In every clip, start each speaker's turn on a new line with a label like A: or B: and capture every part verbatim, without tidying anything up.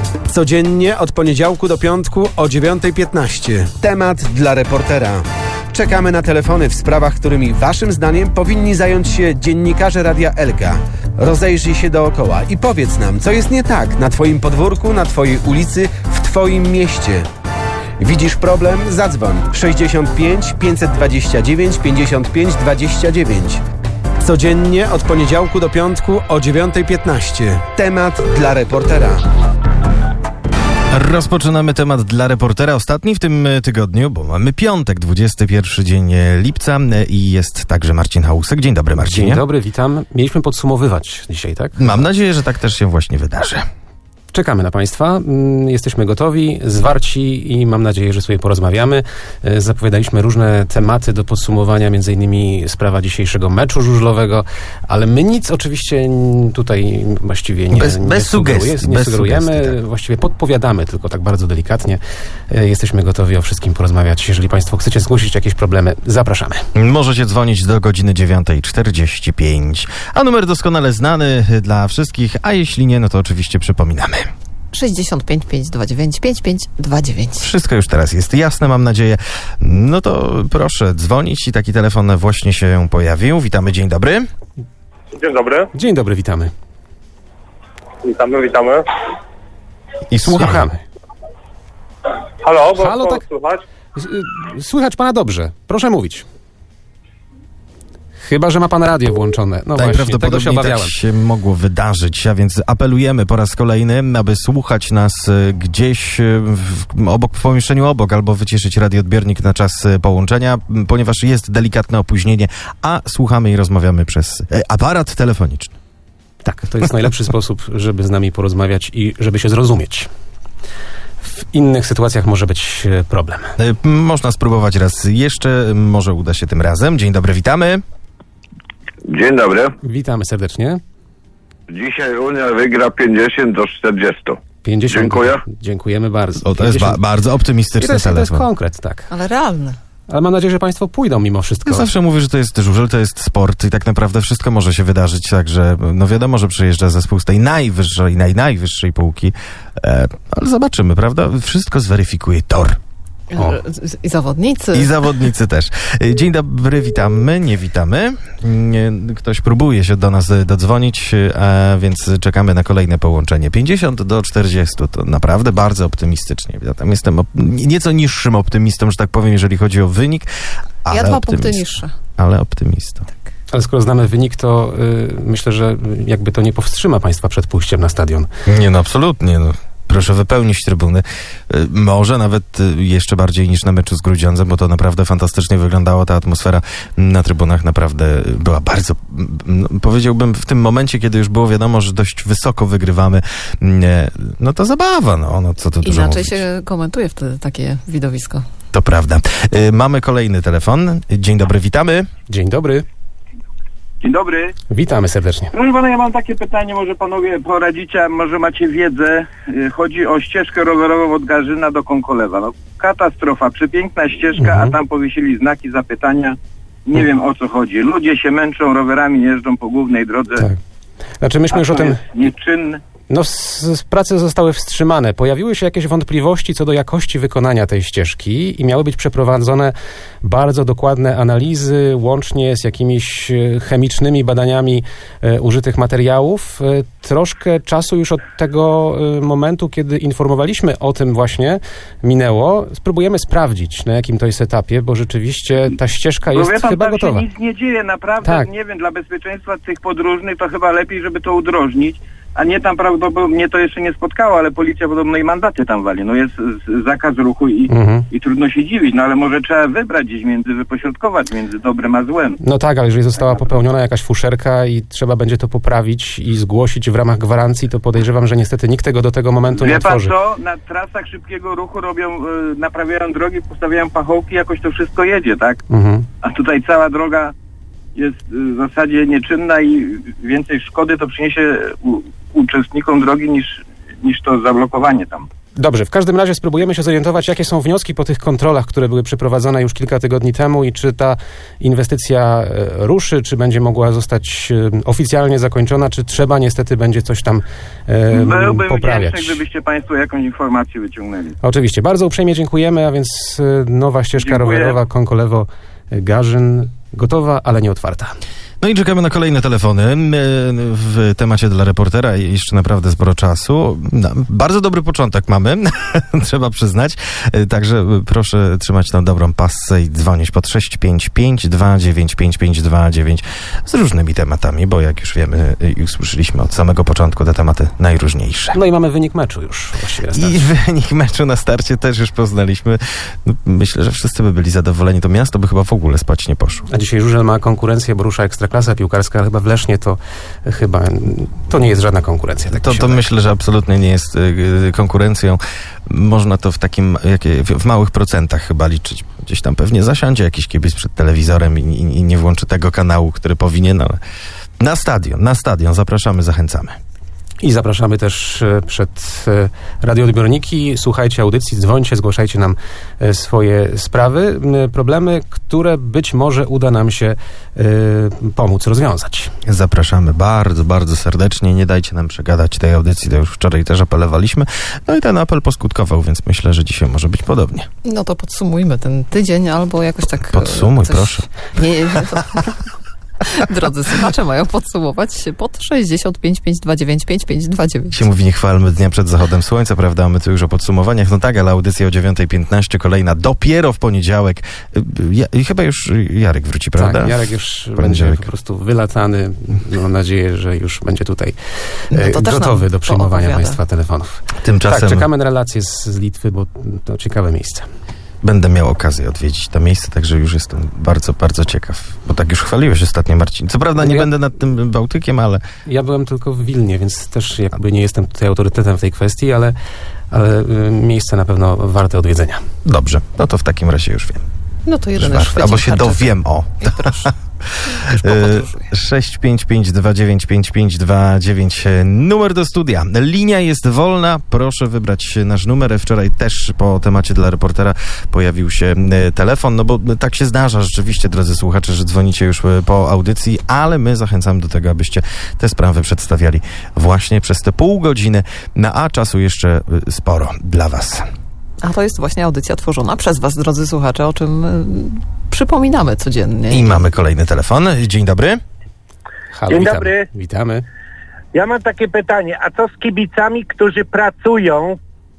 A: Codziennie od poniedziałku do piątku o dziewiątej piętnaście. Temat dla reportera. Czekamy na telefony w sprawach, którymi waszym zdaniem powinni zająć się dziennikarze Radia Elka. Rozejrzyj się dookoła i powiedz nam, co jest nie tak na twoim podwórku, na twojej ulicy, w twoim mieście. Widzisz problem? Zadzwoń sześćdziesiąt pięć pięćset dwadzieścia dziewięć pięćdziesiąt pięć dwadzieścia dziewięć. Codziennie od poniedziałku do piątku o dziewiątej piętnaście. Temat dla reportera.
B: Rozpoczynamy temat dla reportera, ostatni w tym tygodniu, bo mamy piątek, dwudziesty pierwszy dzień lipca i jest także Marcin Hałusek. Dzień dobry, Marcinie.
C: Dzień dobry, witam. Mieliśmy podsumowywać dzisiaj, tak?
B: Mam nadzieję, że tak też się właśnie wydarzy.
C: Czekamy na Państwa, jesteśmy gotowi, zwarci i mam nadzieję, że sobie porozmawiamy. Zapowiadaliśmy różne tematy do podsumowania, między innymi sprawa dzisiejszego meczu żużlowego, ale my nic oczywiście tutaj właściwie nie,
B: bez,
C: nie,
B: bez
C: sugeruje,
B: sugestii,
C: nie
B: bez
C: sugerujemy,
B: sugestii, tak.
C: Właściwie podpowiadamy, tylko tak bardzo delikatnie. Jesteśmy gotowi o wszystkim porozmawiać. Jeżeli Państwo chcecie zgłosić jakieś problemy, zapraszamy.
B: Możecie dzwonić do godziny dziewiątej czterdzieści pięć, a numer doskonale znany dla wszystkich, a jeśli nie, no to oczywiście przypominamy.
D: sześćdziesiąt pięć pięćset dwadzieścia dziewięć pięćdziesiąt pięć dwadzieścia dziewięć.
B: Wszystko już teraz jest jasne, mam nadzieję. No to proszę dzwonić i taki telefon właśnie się pojawił. Witamy, dzień dobry.
E: Dzień dobry.
C: Dzień dobry, witamy.
E: Witamy, witamy.
B: I słuchamy.
E: Halo, bo
C: Halo,
E: co
C: tak.
E: słychać?
C: Słychać Pana dobrze. Proszę mówić. Chyba że ma Pan radio włączone. No właśnie, tego się obawiałem.
B: Tak się mogło wydarzyć, a więc apelujemy po raz kolejny, aby słuchać nas gdzieś w, obok, w pomieszczeniu obok, albo wyciszyć radioodbiornik na czas połączenia, ponieważ jest delikatne opóźnienie, a słuchamy i rozmawiamy przez aparat telefoniczny.
C: Tak, to jest najlepszy sposób, żeby z nami porozmawiać i żeby się zrozumieć. W innych sytuacjach może być problem.
B: Można spróbować raz jeszcze, może uda się tym razem. Dzień dobry, witamy.
F: Dzień dobry.
C: Witamy serdecznie.
F: Dzisiaj Unia wygra pięćdziesiąt do czterdziestu.
C: pięćdziesiąt.
F: Dziękuję.
C: Dziękujemy bardzo.
B: O, to jest ba- bardzo optymistyczny
C: to jest,
B: telefon.
C: To jest konkret, tak.
D: Ale realny.
C: Ale mam nadzieję, że Państwo pójdą mimo wszystko.
B: Ja zawsze mówię, że to jest żużel, to jest sport i tak naprawdę wszystko może się wydarzyć, także no wiadomo, że przyjeżdża zespół z tej najwyższej, naj, najwyższej półki, e, ale zobaczymy, prawda? Wszystko zweryfikuje tor.
C: O.
D: I zawodnicy.
B: I zawodnicy też. Dzień dobry, witamy, nie witamy. Nie, ktoś próbuje się do nas dodzwonić, a więc czekamy na kolejne połączenie. pięćdziesiąt do czterdziestu to naprawdę bardzo optymistycznie. Ja tam jestem op- nieco niższym optymistą, że tak powiem, jeżeli chodzi o wynik. Ale
D: Ja dwa
B: optymist-
D: punkty niższe.
B: Ale optymistą.
C: Ale skoro znamy wynik, to y, myślę, że jakby to nie powstrzyma Państwa przed pójściem na stadion.
B: Nie, no absolutnie, no. Proszę wypełnić trybuny. Y, Może nawet y, jeszcze bardziej niż na meczu z Grudziądzem, bo to naprawdę fantastycznie wyglądało. Ta atmosfera na trybunach naprawdę była bardzo, no, powiedziałbym, w tym momencie, kiedy już było wiadomo, że dość wysoko wygrywamy, nie, no to zabawa, no, no co tu dużo
D: Inaczej
B: mówić.
D: się komentuje wtedy takie widowisko.
B: To prawda. Y, Mamy kolejny telefon. Dzień dobry, witamy.
C: Dzień dobry.
E: Dzień dobry.
C: Witamy serdecznie.
E: Proszę pana, ja mam takie pytanie, może panowie poradzicie, a może macie wiedzę. Y, Chodzi o ścieżkę rowerową od Garzyna do Konkolewa. No, katastrofa, przepiękna ścieżka,
C: Mhm.
E: a tam powiesili znaki zapytania. Nie wiem, o co chodzi. Ludzie się męczą, rowerami jeżdżą po głównej drodze.
C: Tak. Znaczy myśmy
E: a
C: już o
E: to
C: tym...
E: jest nieczynny.
C: No, s- s- prace zostały wstrzymane. Pojawiły się jakieś wątpliwości co do jakości wykonania tej ścieżki i miały być przeprowadzone bardzo dokładne analizy, łącznie z jakimiś e, chemicznymi badaniami e, użytych materiałów. E, troszkę czasu już od tego e, momentu, kiedy informowaliśmy o tym właśnie, minęło. Spróbujemy sprawdzić, na jakim to jest etapie, bo rzeczywiście ta ścieżka
E: Bo
C: jest
E: wie pan,
C: chyba
E: tam
C: gotowa.
E: się nic nie dzieje, naprawdę,
C: Tak.
E: nie wiem, dla bezpieczeństwa tych podróżnych to chyba lepiej, żeby to udrożnić, a nie tam prawdopodobnie, mnie to jeszcze nie spotkało, ale policja podobno i mandaty tam wali. No jest z- zakaz ruchu i,
C: Mhm.
E: i trudno się dziwić, no ale może trzeba wybrać gdzieś między, wypośrodkować między dobrem a złem.
C: No tak, ale jeżeli została popełniona jakaś fuszerka i trzeba będzie to poprawić i zgłosić w ramach gwarancji, to podejrzewam, że niestety nikt tego do tego momentu nie
E: Wie pan
C: otworzy.
E: co, na trasach szybkiego ruchu robią, y, naprawiają drogi, postawiają pachołki, jakoś to wszystko jedzie, tak?
C: Mhm.
E: A tutaj cała droga jest y, w zasadzie nieczynna i więcej szkody to przyniesie u, uczestnikom drogi niż, niż to zablokowanie tam.
C: Dobrze, w każdym razie spróbujemy się zorientować, jakie są wnioski po tych kontrolach, które były przeprowadzone już kilka tygodni temu i czy ta inwestycja e, ruszy, czy będzie mogła zostać e, oficjalnie zakończona, czy trzeba niestety będzie coś tam e,
E: Byłbym
C: poprawiać.
E: wdzięczny, gdybyście Państwo jakąś informację wyciągnęli.
C: Oczywiście, bardzo uprzejmie dziękujemy, a więc e, nowa ścieżka
E: Dziękuję.
C: rowerowa Konkolewo-Garzyn gotowa, ale nie otwarta.
B: No i czekamy na kolejne telefony. W temacie dla reportera jeszcze naprawdę sporo czasu. No, bardzo dobry początek mamy, trzeba przyznać. Także proszę trzymać tą dobrą passę i dzwonić pod sześć pięć pięć dwa dziewięć pięć pięć dwa dziewięć z różnymi tematami, bo jak już wiemy i usłyszeliśmy od samego początku te tematy najróżniejsze.
C: No i mamy wynik meczu już właściwie na starcie.
B: I wynik meczu na starcie też już poznaliśmy. No, myślę, że wszyscy by byli zadowoleni. To miasto by chyba w ogóle spać nie poszło.
C: A dzisiaj Żużel ma konkurencję, bo rusza Ekstraklasa piłkarska, ale chyba w Lesznie to chyba to nie jest żadna konkurencja. Tak
B: To, to myślę, że absolutnie nie jest y, konkurencją. Można to w takim, jakie, w, w małych procentach chyba liczyć. Gdzieś tam pewnie zasiądzie jakiś kibic przed telewizorem i, i, i nie włączy tego kanału, który powinien, ale na stadion, na stadion zapraszamy, zachęcamy.
C: I zapraszamy też e, przed e, radioodbiorniki. Słuchajcie audycji, dzwońcie, zgłaszajcie nam e, swoje sprawy, m, problemy, które być może uda nam się e, pomóc rozwiązać.
B: Zapraszamy bardzo, bardzo serdecznie. Nie dajcie nam przegadać tej audycji, to już wczoraj też apelowaliśmy. No i ten apel poskutkował, więc myślę, że dzisiaj może być podobnie.
D: No to podsumujmy ten tydzień albo jakoś tak...
B: Podsumuj,
D: coś...
B: proszę.
D: Nie, nie, to... Drodzy słuchacze mają podsumować się pod sześćdziesiąt pięć pięć dwa dziewięć pięć pięć dwa dziewięć.
B: Się mówi, nie chwalmy dnia przed zachodem słońca, prawda? A my tu już o podsumowaniach. No tak, ale audycja o dziewiąta piętnaście, kolejna dopiero w poniedziałek. Ja, I chyba już Jarek wróci, prawda?
C: Tak, Jarek już będzie
B: Poniedziałek.
C: po prostu wylatany. Mam nadzieję, że już będzie tutaj
D: No
C: e,
D: to też
C: gotowy
D: nam
C: do przyjmowania
D: poopowiada.
C: Państwa telefonów.
B: Tymczasem
C: Tak, czekamy na relacje z, z Litwy, bo to ciekawe miejsce.
B: będę miał okazję odwiedzić to miejsce, także już jestem bardzo, bardzo ciekaw. Bo tak już chwaliłeś ostatnio, Marcin. Co prawda nie
C: Ja-
B: będę nad tym Bałtykiem, ale
C: Ja byłem tylko w Wilnie, więc też jakby nie jestem tutaj autorytetem w tej kwestii, ale, ale y, miejsce na pewno warte odwiedzenia.
B: dobrze. No to w takim razie już wiem.
D: No to jeden
B: Już
D: już
B: warto. Albo się dowiem, o.
D: I proszę. Już
B: E,
D: popodróżuję.
B: sześć pięć pięć dwa dziewięć pięć pięć dwa dziewięć numer do studia. Linia jest wolna, proszę wybrać nasz numer. Wczoraj też po temacie dla reportera pojawił się e, telefon, no bo tak się zdarza rzeczywiście, drodzy słuchacze, że dzwonicie już e, po audycji, ale my zachęcamy do tego, abyście te sprawy przedstawiali właśnie przez te pół godziny, na a czasu jeszcze e, sporo dla was.
D: A to jest właśnie audycja tworzona przez was, drodzy słuchacze, o czym y, przypominamy codziennie.
B: I mamy kolejny telefon. Dzień dobry.
C: Halo,
G: Dzień
C: witamy.
G: dobry.
C: Witamy.
G: Ja mam takie pytanie, a co z kibicami, którzy pracują,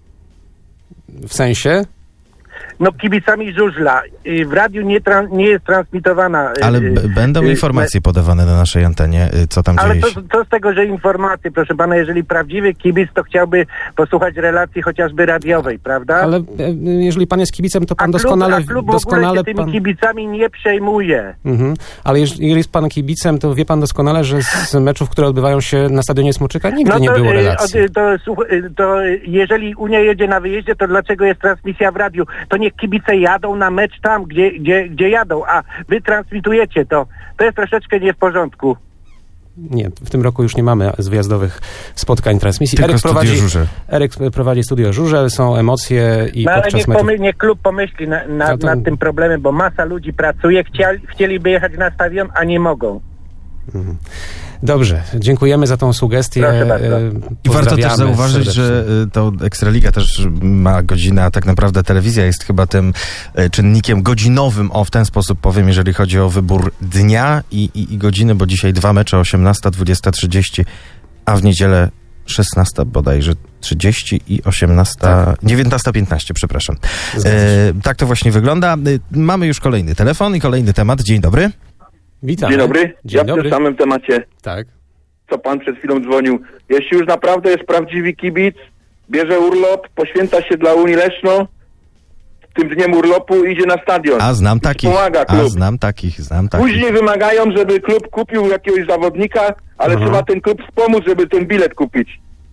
C: W sensie?
G: no kibicami żużla? Y, W radiu nie, tran- nie jest transmitowana. y,
B: Ale
G: y,
B: b- będą
G: y,
B: informacje podawane na naszej antenie, y, co tam
G: Ale
B: dzieje
G: co,
B: się.
G: co z tego, że informacje, proszę pana, jeżeli prawdziwy kibic, to chciałby posłuchać relacji chociażby radiowej, prawda?
C: Ale e, jeżeli pan jest kibicem, to
G: a
C: pan
G: klub,
C: doskonale...
G: a klub w ogóle
C: doskonale
G: się tymi
C: pan...
G: kibicami nie przejmuje.
C: Mhm. Ale jeż- jeżeli jest pan kibicem, to wie pan doskonale, że z meczów, które odbywają się na stadionie Smoczyka, nigdy nie było
G: y,
C: relacji.
G: od- to, słuch- y, to y, jeżeli Unia jedzie na wyjeździe, to dlaczego jest transmisja w radiu? To niech kibice jadą na mecz tam, gdzie, gdzie, gdzie jadą, a wy transmitujecie to. To jest troszeczkę nie w porządku.
C: Nie, w tym roku już nie mamy z wyjazdowych spotkań transmisji.
B: Tylko
C: Eryk
B: studio
C: prowadzi,
B: Żużel.
C: Eryk prowadzi studio Żużel, są emocje i
G: No ale
C: podczas
G: niech,
C: meczów...
G: pomy- niech klub pomyśli na, na,
C: No to-
G: nad tym problemem, bo masa ludzi pracuje, chcieli, chcieliby jechać na stadion, a nie mogą.
C: Dobrze, dziękujemy za tą sugestię.
G: Proszę bardzo.
C: E,
B: I warto też
C: pozdrawiamy
B: zauważyć,
C: serdecznie.
B: że y, to Ekstraliga też ma godzinę, a tak naprawdę telewizja jest chyba tym y, czynnikiem godzinowym, o w ten sposób powiem, jeżeli chodzi o wybór dnia i, i, i godziny, bo dzisiaj dwa mecze, osiemnasta, dwudziesta trzydzieści, a w niedzielę szesnasta bodajże trzydzieści i osiemnasta,
C: Tak.
B: dziewiętnasta piętnaście, przepraszam.
C: Zgadza się.
B: E, tak to właśnie wygląda. Y, mamy już kolejny telefon i kolejny temat. Dzień dobry.
C: Witamy.
F: Dzień dobry.
C: Dzień
F: ja
C: dobry.
F: w tym samym temacie,
C: Tak.
F: co pan przed chwilą dzwonił. Jeśli już naprawdę jest prawdziwy kibic, bierze urlop, poświęca się dla Unii Leszno, tym dniem urlopu idzie na stadion.
B: A znam
F: I
B: takich.
F: Pomaga
B: A
F: klub.
B: znam takich, znam takich.
F: Później wymagają, żeby klub kupił jakiegoś zawodnika, ale
C: Aha.
F: trzeba ten klub wspomóc, żeby ten bilet kupić.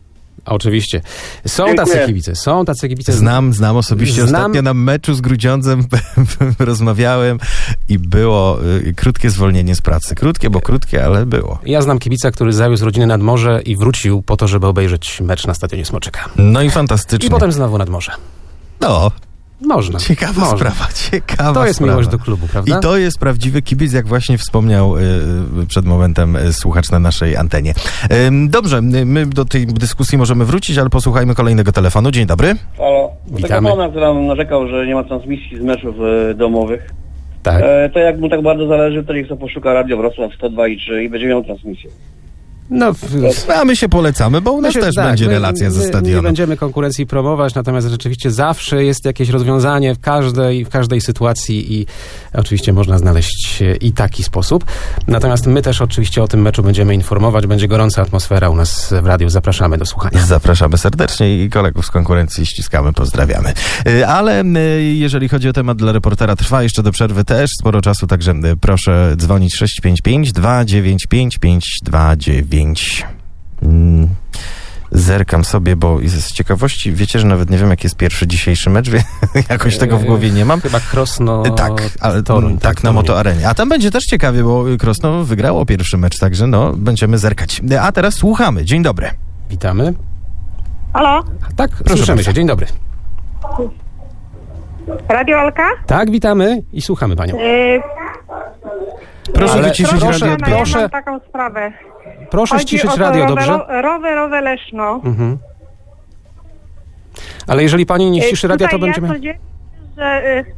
C: Oczywiście. Są
F: Dziękuję.
C: tacy kibice, są tacy kibice.
B: Znam, znam osobiście.
C: Znam-
B: Ostatnio na meczu z Grudziądzem rozmawiałem i było y, krótkie zwolnienie z pracy. Krótkie, bo krótkie, ale było.
C: Ja znam kibica, który zawiózł rodzinę nad morze i wrócił po to, żeby obejrzeć mecz na stadionie Smoczyka.
B: No i fantastycznie.
C: I potem znowu nad morze.
B: No,
C: Można.
B: ciekawa
C: Można.
B: sprawa, ciekawa
C: To jest
B: sprawa.
C: miłość do klubu, prawda?
B: I to jest prawdziwy kibic, jak właśnie wspomniał y, y, przed momentem y, słuchacz na naszej antenie. Ym, dobrze, y, my do tej dyskusji możemy wrócić, ale posłuchajmy kolejnego telefonu. Dzień dobry.
H: Halo.
C: Witamy.
H: Taka pana, która narzekał, że nie ma transmisji z meczów e, domowych.
C: Tak.
H: E, to jak mu tak bardzo zależy, to niech sobie poszuka Radio Wrocław sto dwa i trzy i będzie miał transmisję.
C: No, w-
B: A my się polecamy, bo u nas
C: Myślę,
B: też
C: że tak,
B: będzie
C: my-
B: relacja ze
C: my Nie
B: stadionu.
C: będziemy konkurencji promować, natomiast rzeczywiście zawsze jest jakieś rozwiązanie w każdej, w każdej sytuacji i oczywiście można znaleźć i taki sposób. Natomiast my też oczywiście o tym meczu będziemy informować. Będzie gorąca atmosfera u nas w radiu. Zapraszamy do słuchania.
B: Zapraszamy serdecznie i kolegów z konkurencji ściskamy, pozdrawiamy. Y, Ale y, jeżeli chodzi o temat dla reportera, trwa jeszcze do przerwy też sporo czasu, także y, proszę dzwonić sześć pięć pięć, dwa dziewięć pięć, pięć dwa dziewięć. Mm, Zerkam sobie, bo z ciekawości, wiecie, że nawet nie wiem, jaki jest pierwszy dzisiejszy mecz, wie, jakoś tego w głowie nie mam.
C: Chyba Krosno...
B: Tak, ale
C: Toruń,
B: tak, na
C: Toruń.
B: Motoarenie. A tam będzie też ciekawie, bo Krosno wygrało pierwszy mecz, także no, będziemy zerkać. A teraz słuchamy. Dzień dobry.
C: Witamy.
I: Halo,
C: Tak,
B: Proszę
C: słyszymy
B: bardzo.
C: się. Dzień dobry.
I: Radio Alka?
C: Tak, witamy i słuchamy panią.
I: Yy,
B: Proszę
C: Ale
B: wyciszyć
C: proszę,
B: radio
I: pana,
B: odbiór.
I: ja
C: proszę.
I: mam taką sprawę.
C: Proszę
I: Chodzi
C: ściszyć
I: o to
C: radio, dobrze?
I: rowero- rowerowe Leszno.
C: Mhm. Ale jeżeli pani nie
I: Yy,
C: ściszy radia, to
I: tutaj
C: będziemy...
I: ja codziennie, że yy,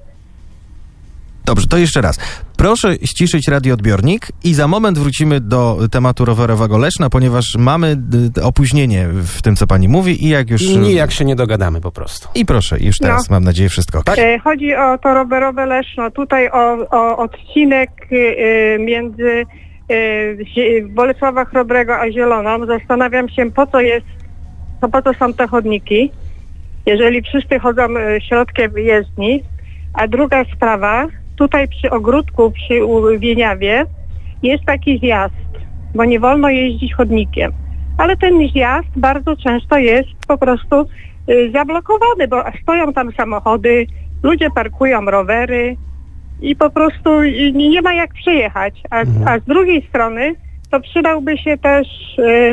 B: Dobrze, to jeszcze raz. Proszę ściszyć radioodbiornik i za moment wrócimy do tematu rowerowego Leszna, ponieważ mamy y, opóźnienie w tym, co pani mówi i jak już...
C: I nijak się nie dogadamy po prostu.
B: I prosie, już teraz
I: No.
B: mam nadzieję wszystko. Tak?
I: yy, chodzi o to rowerowe Leszno. Tutaj o, o odcinek yy, między yy, Zie- Bolesława Chrobrego a Zieloną. Zastanawiam się, po co jest, to po co są te chodniki, jeżeli wszyscy chodzą yy, środkiem jezdni. A druga sprawa, tutaj przy ogródku, przy u- Wieniawie jest taki zjazd, bo nie wolno jeździć chodnikiem. Ale ten zjazd bardzo często jest po prostu y, zablokowany, bo stoją tam samochody, ludzie parkują rowery i po prostu y, nie ma jak przejechać. A, a z drugiej strony to przydałby się też y,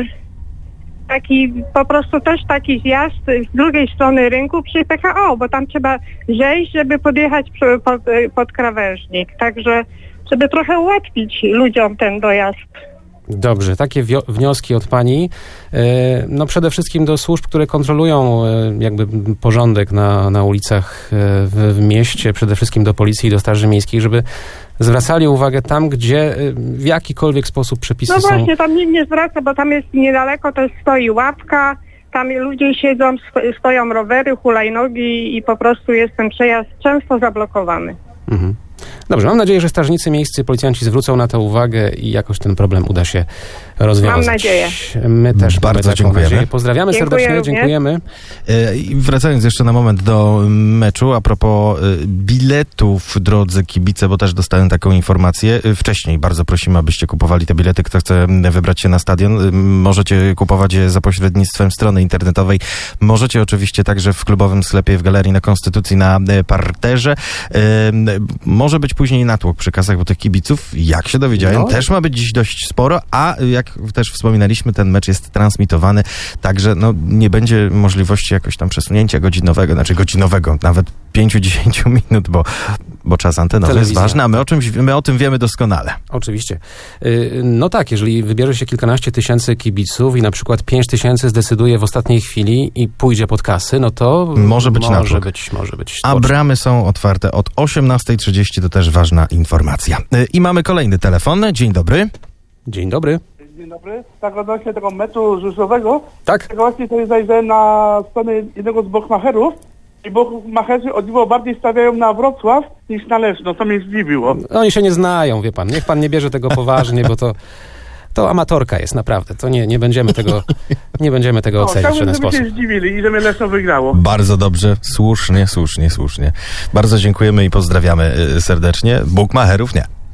I: taki, po prostu też taki zjazd z drugiej strony rynku przy P K O, bo tam trzeba zejść, żeby podjechać przy- pod, pod krawężnik. Także, żeby trochę ułatwić ludziom ten dojazd.
C: Dobrze, takie wio- wnioski od pani. E, No przede wszystkim do służb, które kontrolują e, jakby porządek na, na ulicach e, w, w mieście, przede wszystkim do policji i do straży miejskiej, żeby zwracali uwagę tam, gdzie e, w jakikolwiek sposób przepisy
I: No
C: są...
I: właśnie, tam nikt nie zwraca, bo tam jest niedaleko, też stoi ławka, tam ludzie siedzą, sto- stoją rowery, hulajnogi i po prostu jest ten przejazd często zablokowany.
C: Mhm. Dobrze, mam nadzieję, że strażnicy miejscy, policjanci zwrócą na to uwagę i jakoś ten problem uda się rozwiązać.
I: Mam nadzieję.
C: My też
B: Bardzo
C: mamy taką
B: dziękujemy.
C: nadzieję. Pozdrawiamy
I: Dziękuję
C: serdecznie,
I: również.
C: dziękujemy.
B: E, I wracając jeszcze na moment do meczu, a propos e, biletów, drodzy kibice, bo też dostałem taką informację. E, Wcześniej bardzo prosimy, abyście kupowali te bilety. Kto chce m, wybrać się na stadion, e, możecie kupować je za pośrednictwem strony internetowej. Możecie oczywiście także w klubowym sklepie w Galerii na Konstytucji na e, parterze. E, m, Może być później natłok przy kasach, bo tych kibiców, jak się dowiedziałem,
C: No.
B: też ma być dziś dość sporo, a jak też wspominaliśmy, ten mecz jest transmitowany, także no, nie będzie możliwości jakoś tam przesunięcia godzinowego, znaczy godzinowego, nawet pięć do dziesięciu minut, bo, bo czas antenowy jest
C: Telewizja.
B: ważny, a my o, czymś, my o tym wiemy doskonale.
C: Oczywiście. Y, No tak, jeżeli wybierze się kilkanaście tysięcy kibiców i na przykład pięć tysięcy zdecyduje w ostatniej chwili i pójdzie pod kasy, no to
B: Może być
C: może
B: natłok.
C: być, może być.
B: A bramy są otwarte od osiemnastej trzydzieści, to też ważna informacja. Y, I mamy kolejny telefon. Dzień dobry.
C: Dzień dobry.
J: Dzień dobry. Tak odnośnie tego meczu rzeszowego,
C: Tak?
J: tak właśnie sobie zajrzałem na stronę jednego z bookmacherów i bookmacherzy o dziwo bardziej stawiają na Wrocław niż na Leszno, co mnie zdziwiło.
C: Oni się nie znają, wie pan. Niech pan nie bierze tego poważnie, bo to, to amatorka jest naprawdę. To nie, nie będziemy tego, nie będziemy tego
J: No,
C: oceniać w
J: chciałbym,
C: żaden
J: żeby
C: sposób.
J: się zdziwili i żeby Leszno wygrało.
B: Bardzo dobrze, słusznie, słusznie, słusznie. Bardzo dziękujemy i pozdrawiamy y, serdecznie. Bookmacherów nie.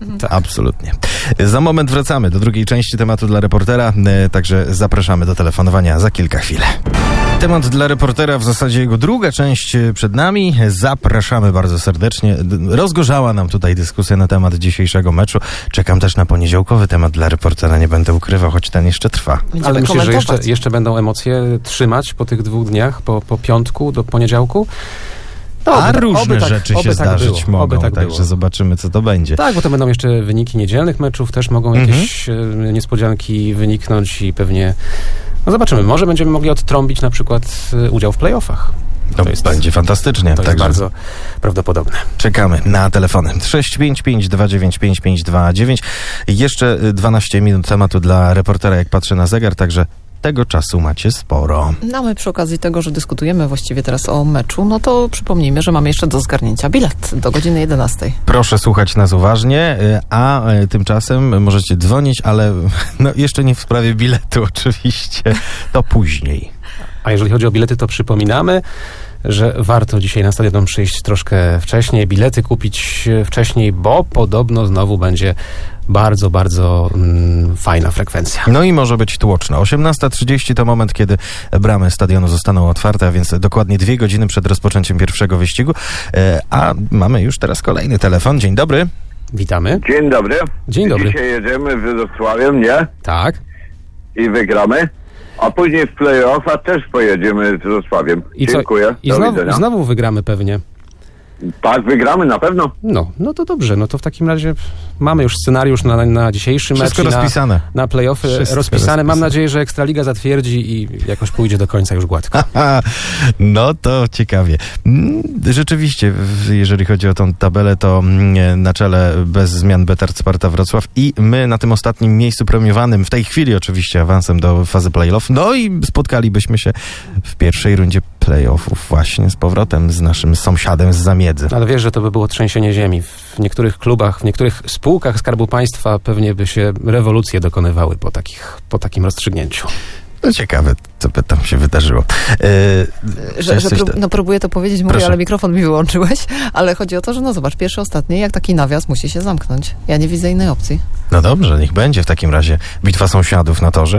B: Tak. Absolutnie. Za moment wracamy do drugiej części tematu dla reportera, e, także zapraszamy do telefonowania za kilka chwil. Temat dla reportera, w zasadzie jego druga część przed nami. Zapraszamy bardzo serdecznie. Rozgorzała nam tutaj dyskusja na temat dzisiejszego meczu. Czekam też na poniedziałkowy temat dla reportera, nie będę ukrywał, choć ten jeszcze trwa.
D: Będziemy
C: Ale myślę, że
D: komentować.
C: jeszcze, jeszcze będą emocje trzymać po tych dwóch dniach, po, po piątku do poniedziałku. No,
B: A
C: oby,
B: różne
C: oby tak,
B: rzeczy
C: oby
B: się
C: tak
B: zdarzyć
C: było,
B: mogą,
C: oby tak
B: także
C: było.
B: zobaczymy, co to będzie.
C: Tak, bo to będą jeszcze wyniki niedzielnych meczów, też mogą jakieś mhm. e, niespodzianki wyniknąć i pewnie, no zobaczymy, może będziemy mogli odtrąbić na przykład e, udział w playoffach.
B: To
C: To jest,
B: będzie fantastycznie.
C: to jest
B: także
C: bardzo prawdopodobne.
B: czekamy na telefony. sześć pięć pięć dwa dziewięć pięć pięć dwa dziewięć. Jeszcze dwanaście minut tematu dla reportera, jak patrzę na zegar, także tego czasu macie sporo.
D: No a my przy okazji tego, że dyskutujemy właściwie teraz o meczu, no to przypomnijmy, że mamy jeszcze do zgarnięcia bilet do godziny jedenastej.
B: Proszę słuchać nas uważnie, a tymczasem możecie dzwonić, ale no jeszcze nie w sprawie biletu oczywiście, to później.
C: A jeżeli chodzi o bilety, to przypominamy, że warto dzisiaj na stadion przyjść troszkę wcześniej, bilety kupić wcześniej, bo podobno znowu będzie bardzo, bardzo mm, fajna frekwencja.
B: No i może być tłoczno. osiemnasta trzydzieści to moment, kiedy bramy stadionu zostaną otwarte, a więc dokładnie dwie godziny przed rozpoczęciem pierwszego wyścigu. E, a mamy już teraz kolejny telefon. Dzień dobry.
C: Witamy.
F: Dzień dobry.
C: Dzień dobry.
F: Dzisiaj jedziemy Wrocławiem, nie?
C: Tak.
F: I wygramy. A później w play-offa też pojedziemy z Wrocławiem.
C: I co?
F: Dziękuję.
C: I
F: Do
C: znowu,
F: widzenia.
C: znowu wygramy pewnie.
F: Tak, wygramy na pewno.
C: No, no to dobrze. No to w takim razie mamy już scenariusz na, na dzisiejszy
B: Wszystko
C: mecz. i
B: rozpisane.
C: Na, na play-offy
B: Wszystko
C: rozpisane. Mam
B: rozpisane.
C: nadzieję, że Ekstraliga zatwierdzi i jakoś pójdzie do końca już gładko.
B: No to ciekawie. Mm, Rzeczywiście, w- jeżeli chodzi o tą tabelę, to mm, na czele bez zmian Betard Sparta Wrocław i my na tym ostatnim miejscu premiowanym, w tej chwili oczywiście awansem do fazy play-off. No i spotkalibyśmy się w pierwszej rundzie play-offów właśnie z powrotem z naszym sąsiadem z Zamiedzy.
C: Ale wiesz, że to by było trzęsienie ziemi. W niektórych klubach, w niektórych spółkach Skarbu Państwa pewnie by się rewolucje dokonywały po, takich, po takim rozstrzygnięciu.
B: No ciekawe, co by tam się wydarzyło. Yy,
D: Że, że prób, no próbuję to powiedzieć, mówię,
B: Proszę.
D: ale mikrofon mi wyłączyłeś, ale chodzi o to, że no zobacz, pierwszy, ostatni, jak taki nawias musi się zamknąć. Ja nie widzę innej opcji.
B: No dobrze, niech będzie w takim razie bitwa sąsiadów na torze.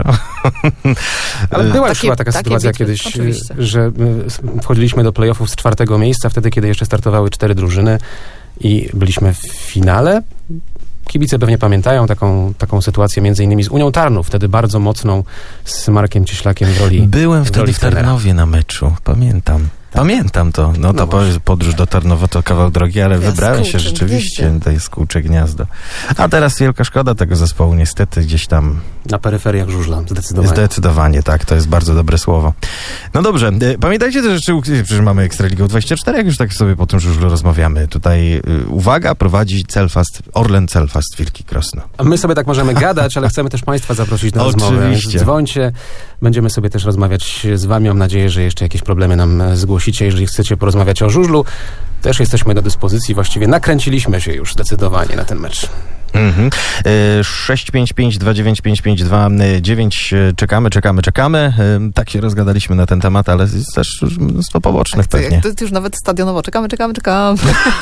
C: Ale była już
D: Takie-
C: chyba taka
D: takie
C: sytuacja
D: bitwy,
C: kiedyś,
D: oczywiście.
C: że y, wchodziliśmy do playoffów z czwartego miejsca, wtedy, kiedy jeszcze startowały cztery drużyny i byliśmy w finale. Kibice pewnie pamiętają taką, taką sytuację między innymi z Unią Tarnów, wtedy bardzo mocną, z Markiem Cieślakiem w roli
B: Byłem
C: w
B: wtedy
C: roli
B: w
C: trenera.
B: Tarnowie na meczu, pamiętam. Pamiętam to. No to
C: No
B: po-
C: właśnie.
B: podróż do Tarnowa to kawał drogi, ale
D: Jaskółcze
B: wybrałem się rzeczywiście.
D: gniezdo.
B: To jest Kółcze Gniazdo. A teraz wielka szkoda tego zespołu, niestety gdzieś tam
C: Na peryferiach żużla, zdecydowanie.
B: zdecydowanie, tak, to jest bardzo dobre słowo. No dobrze, e, pamiętajcie też, że przecież mamy Ekstraligę dwadzieścia cztery, jak już tak sobie po tym żużlu rozmawiamy. Tutaj y, uwaga, prowadzi Celfast, Orlen Celfast Wilki Krosno.
C: A my sobie tak możemy gadać, ale chcemy też Państwa zaprosić na rozmowę.
B: Oczywiście.
C: Więc dzwońcie, będziemy sobie też rozmawiać z Wami. Mam nadzieję, że jeszcze jakieś problemy nam e, zgłosicie. Jeżeli chcecie porozmawiać o żużlu, też jesteśmy do dyspozycji. Właściwie nakręciliśmy się już zdecydowanie na ten mecz.
B: Mhm. E, sześć pięć pięć dwa dziewięć pięć pięć dwa dziewięć. Czekamy, czekamy, czekamy. E, Tak się rozgadaliśmy na ten temat, ale jest też mnóstwo pobocznych
D: To,
B: pewnie.
D: jak, to, to już nawet stadionowo. Czekamy, czekamy, czekamy.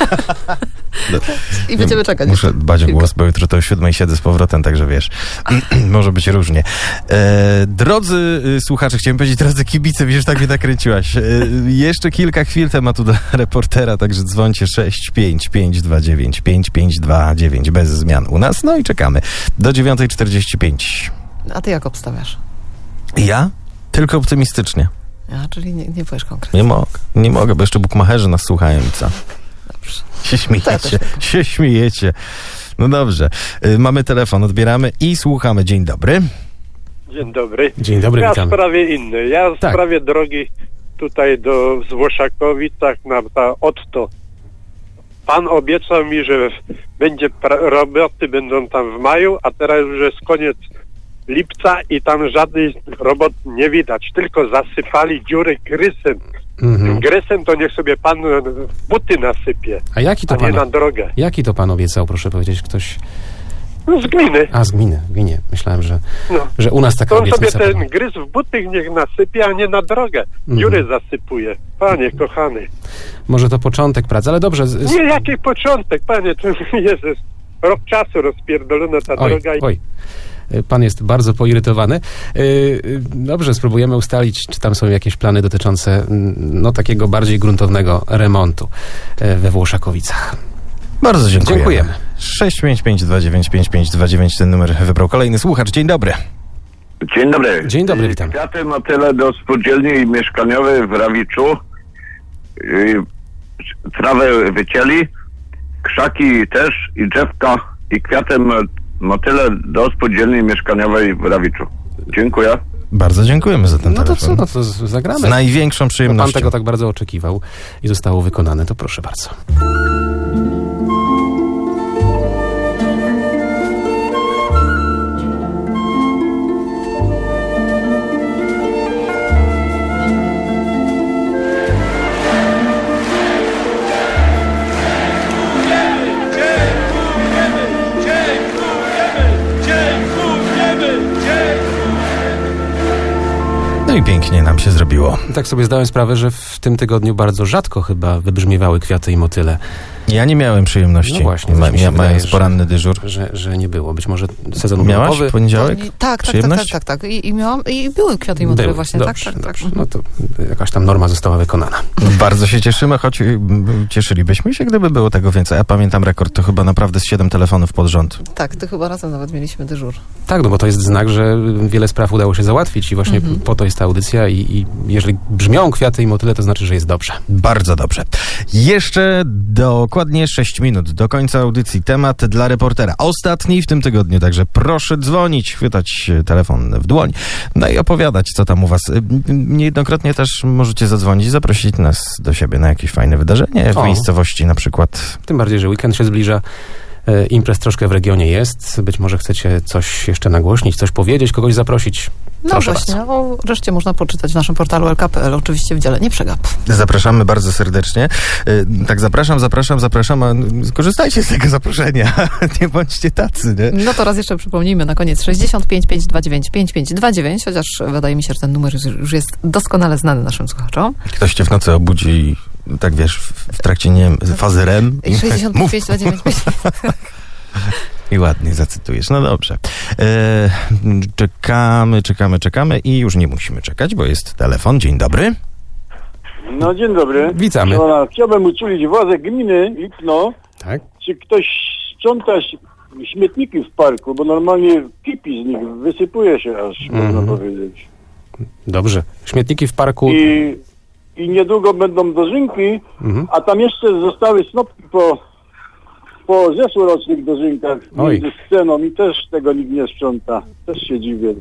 B: No,
D: I będziemy czekać.
B: Muszę
D: jeszcze.
B: dbać o
D: Chwilkę.
B: głos, bo jutro to o siódmej siedzę z powrotem, także wiesz, może być różnie. E, drodzy y, słuchacze, chciałem powiedzieć, drodzy kibice, wiesz, tak mnie nakręciłaś. E, jeszcze kilka chwil tematu dla reportera, także dzwońcie sześć pięć pięć dwa dziewięć pięć pięć dwa dziewięć bez zmian u nas, no i czekamy do dziewiątej czterdzieści pięć.
D: A ty jak obstawiasz?
B: Ja? Tylko optymistycznie.
D: A, czyli nie, nie powiesz konkretnie.
B: Nie mogę, nie mogę, bo jeszcze bukmacherzy nas słuchają i co?
D: Dobrze.
B: Się śmiejecie,
D: też tak.
B: się śmiejecie. No dobrze, y, mamy telefon, odbieramy i słuchamy. Dzień dobry.
K: Dzień dobry.
C: Dzień dobry,
K: Ja w
C: witamy.
K: sprawie innej. Ja w
C: Tak.
K: sprawie drogi tutaj do Złoszakowic, tak na ta Otto. Pan obiecał mi, że będzie pra- roboty będą tam w maju, a teraz już jest koniec lipca i tam żadnych robot nie widać. Tylko zasypali dziury grysem.
C: Mhm.
K: Grysem to niech sobie pan buty nasypie,
C: A jaki to
K: a nie
C: pan,
K: na drogę.
C: jaki to pan obiecał, proszę powiedzieć, ktoś...
K: No z gliny.
C: A, z gminy, w gminie. Myślałem, że,
K: No.
C: że u nas taka
K: To on sobie
C: obietnica
K: ten
C: padła.
K: gryz w buty niech nasypie, a nie na drogę. Dziury zasypuje. Panie kochany.
C: Może to początek pracy, ale dobrze. Z, z,
K: Nie, jaki początek, panie, to Jezus. rok czasu rozpierdolona ta
C: Oj,
K: droga.
C: oj. Pan jest bardzo poirytowany. Dobrze, spróbujemy ustalić, czy tam są jakieś plany dotyczące no, takiego bardziej gruntownego remontu we Włoszakowicach.
B: Bardzo dziękujemy.
C: Dziękujemy.
B: sześć pięć pięć dwa dziewięć pięć pięć dwa dziewięć ten numer wybrał kolejny słuchacz. Dzień dobry.
F: Dzień dobry.
C: Dzień dobry, witam.
F: Kwiaty motyle do spółdzielni mieszkaniowej w Rawiczu. Yy, trawę wycięli, krzaki też i drzewka i kwiaty motyle do spółdzielni mieszkaniowej w Rawiczu. Dziękuję.
B: Bardzo dziękujemy za ten
C: No to
B: telefon.
C: co, no to z- zagramy.
B: Z największą
C: No,
B: przyjemnością.
C: pan tego tak bardzo oczekiwał i zostało wykonane, to proszę bardzo.
B: No i pięknie nam się zrobiło.
C: Tak sobie zdałem sprawę, że w tym tygodniu bardzo rzadko chyba wybrzmiewały kwiaty i motyle.
B: Ja nie miałem przyjemności.
C: No właśnie,
B: Ma,
C: coś mi się
B: ja,
C: wydaje,
B: mając
C: że-
B: poranny dyżur.
C: Że, że nie było. Być może sezon
B: Miałaś
C: urlopowy.
B: w poniedziałek?
D: Tak, tak, tak,
B: Przyjemność?
D: tak, tak, tak. I, i miałam, i były kwiaty i motywy
C: Były.
D: właśnie,
C: Dobrze,
D: tak, tak,
C: dobrze.
D: tak.
C: No to jakaś tam norma została wykonana.
B: Bardzo się cieszymy, choć y, cieszylibyśmy się, gdyby było tego więcej. Ja pamiętam rekord, to chyba naprawdę z siedem telefonów pod rząd.
D: Tak, ty chyba razem nawet mieliśmy dyżur.
C: Tak, no bo to jest znak, że wiele spraw udało się załatwić i właśnie
D: Mhm.
C: po to jest ta audycja i, i jeżeli brzmią kwiaty i motyle, to znaczy, że jest dobrze.
B: Bardzo dobrze. Jeszcze dokładnie sześć minut do końca audycji. Temat dla reportera. Ostatni w tym tygodniu, także proszę dzwonić, chwytać telefon w dłoń, no i opowiadać, co tam u was. Niejednokrotnie też możecie zadzwonić, zaprosić nas do siebie na jakieś fajne wydarzenie w
C: O.
B: miejscowości na przykład.
C: Tym bardziej, że weekend się zbliża. E, Imprez troszkę w regionie jest. Być może chcecie coś jeszcze nagłośnić, coś powiedzieć, kogoś zaprosić.
D: No
C: Proszę
D: właśnie,
C: bardzo.
D: o reszcie można poczytać w naszym portalu L K P L, oczywiście w dziale Nie przegap.
B: Zapraszamy bardzo serdecznie. Y, Tak, zapraszam, zapraszam, zapraszam, a skorzystajcie z tego zaproszenia. Nie bądźcie tacy, nie?
D: No to raz jeszcze przypomnijmy na koniec sześćdziesiąt pięć pięć dwa dziewięć pięć pięć dwa dziewięć, chociaż wydaje mi się, że ten numer już- już jest doskonale znany naszym słuchaczom.
B: Ktoś cię w nocy obudzi i tak wiesz, w, w trakcie, nie wiem, fazy R E M i
D: sześćdziesiąt
B: mów,
D: pięć dwa dziewięć pięć.
B: i ładnie zacytujesz. No dobrze. E, czekamy, czekamy, czekamy i już nie musimy czekać, bo jest telefon. Dzień dobry.
L: No dzień dobry.
C: Witamy.
L: Pana, chciałbym uczulić władze gminy Lipno,
C: Tak?
L: czy ktoś sprząta ś- śmietniki w parku, bo normalnie kipi z nich, wysypuje się aż,
C: Mhm.
L: można powiedzieć.
C: Dobrze. Śmietniki w parku.
L: I, I niedługo będą dożynki,
C: Mhm.
L: a tam jeszcze zostały snopki po, po zeszłorocznych dożynkach
C: Oj.
L: między sceną i też tego nikt nie sprząta. Też się dziwię.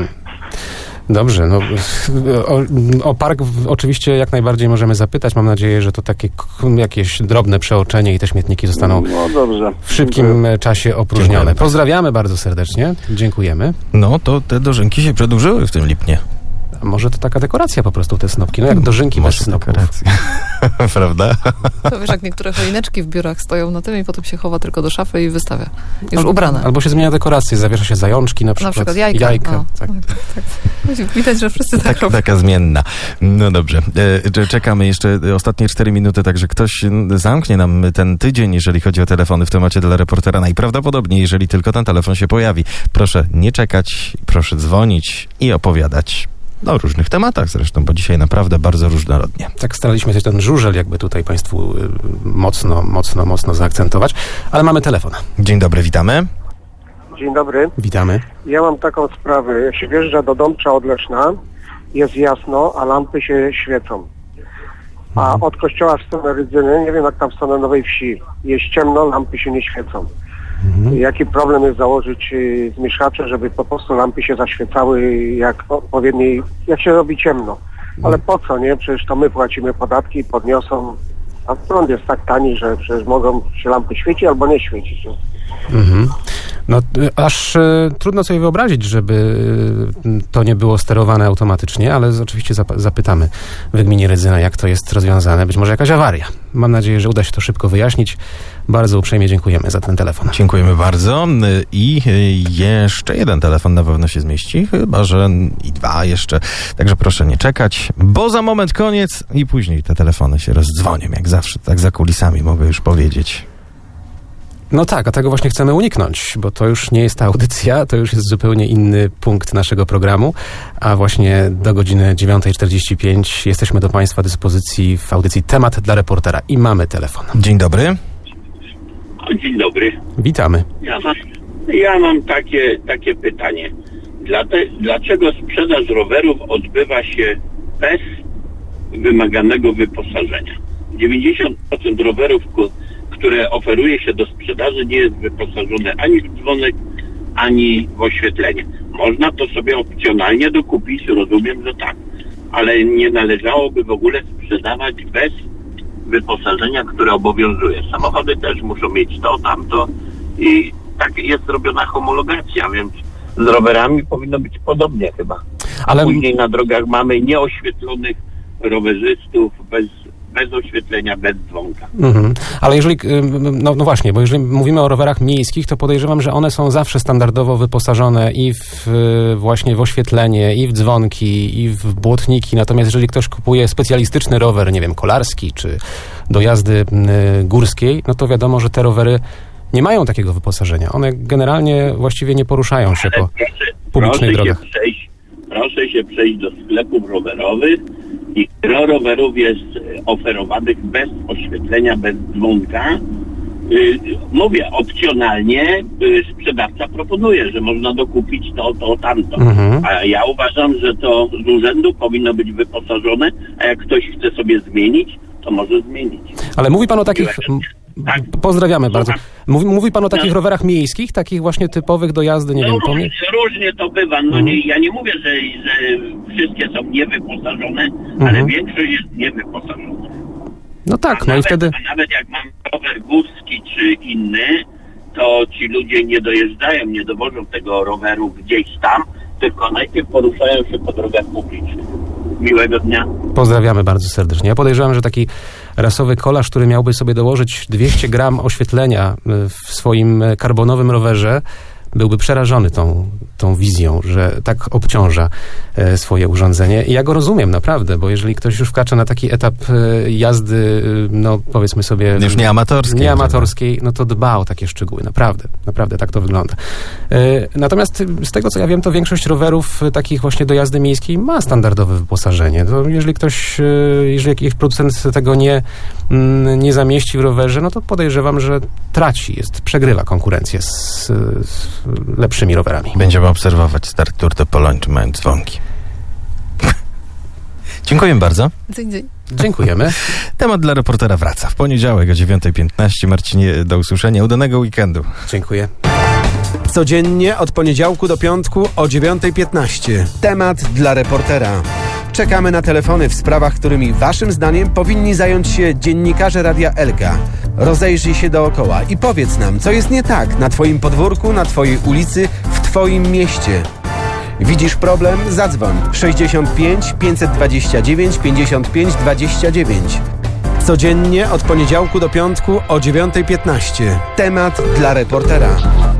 C: Dobrze, no o, o park w, oczywiście jak najbardziej możemy zapytać. Mam nadzieję, że to takie k- jakieś drobne przeoczenie i te śmietniki zostaną
L: No dobrze.
C: w szybkim e, czasie opróżnione.
B: Dziękujemy.
C: Pozdrawiamy bardzo serdecznie. Dziękujemy.
B: No to te dożynki się przedłużyły w tym Lipnie.
C: A może to taka dekoracja po prostu, te snopki. No jak dożynki bez
B: Może
C: snopów.
B: dekoracja. Prawda?
D: To wiesz, jak niektóre choineczki w biurach stoją na tym i potem się chowa tylko do szafy i wystawia. Już
C: Albo-
D: ubrane.
C: Albo się zmienia dekorację, zawiesza się zajączki na przykład.
D: Na przykład jajka. O,
C: tak.
D: tak. Widać, że wszyscy tak,
B: Tak,
D: robią.
B: taka zmienna. No dobrze. E, cze- czekamy jeszcze ostatnie cztery minuty, także ktoś n- zamknie nam ten tydzień, jeżeli chodzi o telefony w temacie dla reportera. Najprawdopodobniej, jeżeli tylko ten telefon się pojawi. Proszę nie czekać, proszę dzwonić i opowiadać. O różnych tematach zresztą, bo dzisiaj naprawdę bardzo różnorodnie.
C: Tak staraliśmy się ten żużel jakby tutaj Państwu y, mocno, mocno, mocno zaakcentować. Ale mamy telefon.
B: Dzień dobry, witamy.
M: Dzień dobry.
C: Witamy.
M: Ja mam taką sprawę. Jak się wjeżdża do Dąbcza od Leszna, jest jasno, a lampy się świecą. A od kościoła w stronę Rydzyny, nie wiem jak tam w stronę Nowej Wsi, jest ciemno, lampy się nie świecą. Jaki problem jest założyć y, zmieszacze, żeby po prostu lampy się zaświecały jak odpowiedniej, jak się robi ciemno. Ale po co, nie? Przecież to my płacimy podatki, podniosą, a prąd jest tak tani, że przecież mogą się lampy świecić albo nie świecić.
C: Mhm. No y, aż y, trudno sobie wyobrazić, żeby y, to nie było sterowane automatycznie, ale z- oczywiście zap- zapytamy w gminie Rydzyna, jak to jest rozwiązane. Być może jakaś awaria. Mam nadzieję, że uda się to szybko wyjaśnić. Bardzo uprzejmie dziękujemy za ten telefon.
B: Dziękujemy bardzo. I jeszcze jeden telefon na pewno się zmieści, chyba że i dwa jeszcze. Także proszę nie czekać, bo za moment koniec i później te telefony się rozdzwonią, jak zawsze, tak za kulisami mogę już powiedzieć.
C: No tak, a tego właśnie chcemy uniknąć, bo to już nie jest ta audycja, to już jest zupełnie inny punkt naszego programu, a właśnie do godziny dziewiąta czterdzieści pięć jesteśmy do Państwa dyspozycji w audycji Temat dla reportera i mamy telefon.
B: Dzień dobry.
N: Dzień dobry.
C: Witamy.
N: Ja mam, ja mam takie, takie pytanie. Dlate, dlaczego sprzedaż rowerów odbywa się bez wymaganego wyposażenia? dziewięćdziesiąt procent rowerów, które oferuje się do sprzedaży, nie jest wyposażone ani w dzwonek, ani w oświetlenie. Można to sobie opcjonalnie dokupić, rozumiem, że tak, ale nie należałoby w ogóle sprzedawać bez wyposażenia, które obowiązuje. Samochody też muszą mieć to, tamto i tak jest robiona homologacja, więc z rowerami powinno być podobnie chyba. A
C: ale
N: później na drogach mamy nieoświetlonych rowerzystów bez, bez oświetlenia, bez dzwonka.
C: Mhm. Ale jeżeli, no, no właśnie, bo jeżeli mówimy o rowerach miejskich, to podejrzewam, że one są zawsze standardowo wyposażone i w, właśnie w oświetlenie, i w dzwonki, i w błotniki. Natomiast jeżeli ktoś kupuje specjalistyczny rower, nie wiem, kolarski, czy do jazdy y, górskiej, no to wiadomo, że te rowery nie mają takiego wyposażenia. One generalnie właściwie nie poruszają się
N: Ale
C: po
N: proszę,
C: publicznych
N: proszę
C: drogach.
N: Się przejść, proszę się przejść do sklepów rowerowych i gro rowerów jest oferowanych bez oświetlenia, bez dzwonka. Yy, mówię, opcjonalnie yy, sprzedawca proponuje, że można dokupić to, to, tamto.
C: Mhm.
N: A ja uważam, że to z urzędu powinno być wyposażone, a jak ktoś chce sobie zmienić, to może zmienić.
C: Ale mówi pan o takich...
N: Tak.
C: Pozdrawiamy bardzo. Mówi, mówi pan o takich
N: No.
C: rowerach miejskich, takich właśnie typowych do jazdy, nie
N: no,
C: wiem, po
N: różnie, różnie to bywa. No
C: Mhm.
N: nie, ja nie mówię, że, że wszystkie są niewyposażone, ale
C: Mhm.
N: większość jest niewyposażona.
C: No tak,
N: a
C: no
N: nawet,
C: i wtedy...
N: A nawet jak mam rower górski czy inny, to ci ludzie nie dojeżdżają, nie dowożą tego roweru gdzieś tam, tylko najpierw poruszają się po drogach publicznych. Miłego dnia.
C: Pozdrawiamy bardzo serdecznie. Ja podejrzewam, że taki rasowy kolarz, który miałby sobie dołożyć dwieście gram oświetlenia w swoim karbonowym rowerze, byłby przerażony tą, tą wizją, że tak obciąża e, swoje urządzenie. I ja go rozumiem naprawdę, bo jeżeli ktoś już wkracza na taki etap e, jazdy, e, no powiedzmy sobie...
B: Już nie amatorskiej.
C: Nie amatorskiej, no to dba o takie szczegóły. Naprawdę, naprawdę tak to wygląda. E, natomiast z tego, co ja wiem, to większość rowerów e, takich właśnie do jazdy miejskiej ma standardowe wyposażenie. To jeżeli ktoś, e, jeżeli jakiś producent tego nie, m, nie zamieści w rowerze, no to podejrzewam, że traci, jest, przegrywa konkurencję z, z lepszymi rowerami.
B: Będziemy obserwować start Tour de Pologne, czy mają dzwonki. Dziękuję bardzo.
D: Dzień, dzień.
C: Dziękujemy.
B: Temat dla reportera wraca w poniedziałek o dziewiąta piętnaście. Marcinie, do usłyszenia. Udanego weekendu.
C: Dziękuję.
A: Codziennie od poniedziałku do piątku o dziewiąta piętnaście. Temat dla reportera. Czekamy na telefony w sprawach, którymi waszym zdaniem powinni zająć się dziennikarze Radia Elka. Rozejrzyj się dookoła i powiedz nam, co jest nie tak na twoim podwórku, na twojej ulicy, w twoim mieście. Widzisz problem? Zadzwoń sześćdziesiąt pięć pięćset dwadzieścia dziewięć pięćdziesiąt pięć dwadzieścia dziewięć. Codziennie od poniedziałku do piątku o dziewiąta piętnaście. Temat dla reportera.